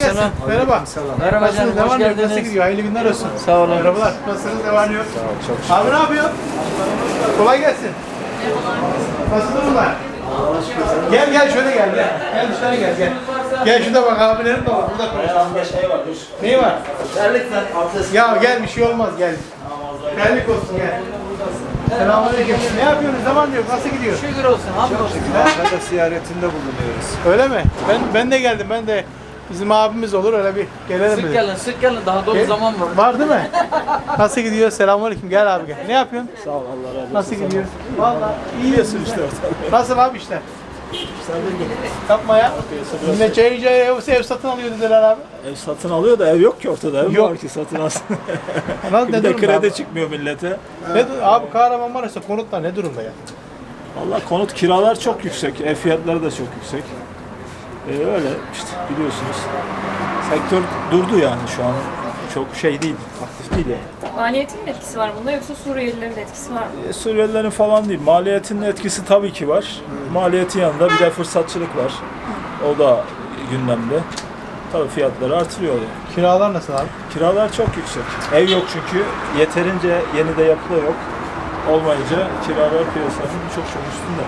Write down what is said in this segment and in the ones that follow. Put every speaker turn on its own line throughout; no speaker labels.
gelsin. Merhaba.
Merhaba canım,
Nasılsınız?
hoş
Devam ediyor. Nasıl
geldiniz.
gidiyor? Hayırlı günler olsun.
Sağ olun.
Merhabalar. Nasılsınız? Devam ediyor.
Sağ ol, çok şükür.
Abi ne yapıyorsun? Kolay gelsin. Nasıl durumlar? Gel gel şöyle gel. Gel dışarı gel. Gel şurada bak abilerim de var. Burada konuşalım.
Şey var, dur.
Neyi var?
Terlikten abdest.
Ya gel bir şey olmaz gel. Terlik olsun gel. Selamünaleyküm. Ne yapıyorsunuz? Zaman diyor. Nasıl gidiyor?
Şükür olsun, hamdolsun.
Ankara'da ziyaretinde bulunuyoruz.
Öyle mi? Ben de geldim. Ben de bizim abimiz olur öyle bir gelelim
Sık
dedik.
gelin, sık gelin. Daha dolu zaman var.
Var değil mi? Nasıl gidiyor? Selamünaleyküm. Gel abi gel. Ne yapıyorsun?
Sağ ol, Allah razı olsun.
Nasıl gidiyor? Vallahi iyi
Biliyorsun işte ortalığı.
Nasıl abi işler? Yapma ya. Yine çayınca ev satın alıyor dediler abi.
Ev satın alıyor da ev yok ki ortada. Ev
Yok.
var ki satın alsın.
Nasıl,
Bir
ne
de
durumda
kredi
abi?
çıkmıyor millete.
Abi Kahramanmaraş'ta konutlar ne durumda ya?
Vallahi konut kiralar çok yüksek. Ev fiyatları da çok yüksek. Öyle işte biliyorsunuz. Sektör durdu yani şu an. Çok şey değil, aktif değil yani.
Maliyetin mi etkisi var bunda yoksa Suriyelilerin de etkisi var mı?
Suriyelilerin falan değil. Maliyetinin etkisi tabii ki var. Maliyetin yanında bir de fırsatçılık var. O da gündemde. Tabii fiyatları artırıyor yani.
Kiralar nasıl abi?
Kiralar çok yüksek. Ev yok çünkü. Yeterince yeni de yapı da yok. Olmayınca kiralar piyasanın çok üstünde.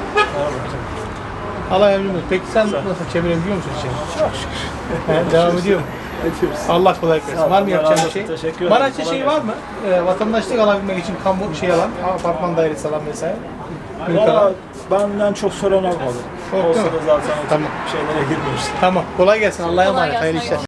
Allah yardımcın olsun. Peki sen nasıl çevirebiliyor musun işini?
Çok şükür.
Devam ediyor mu?
Ediyoruz.
Allah kolaylık versin. Var mı
Allah
yapacağın
razı
bir şey?
olsun. Teşekkür ederim.
Maraş'ta
Kolay
şey var mı? Vatandaşlık alabilmek için kamu şey alan, apartman dairesi alan vesaire. Mülk
Valla
alan.
benden çok soran olmadı.
Çok
Olsa
değil
da
mi?
zaten o tip
Tamam.
şeylere girmiyoruz.
Tamam. Kolay gelsin. Allah'a
Kolay
emanet.
gelsin,
Hayırlı işler.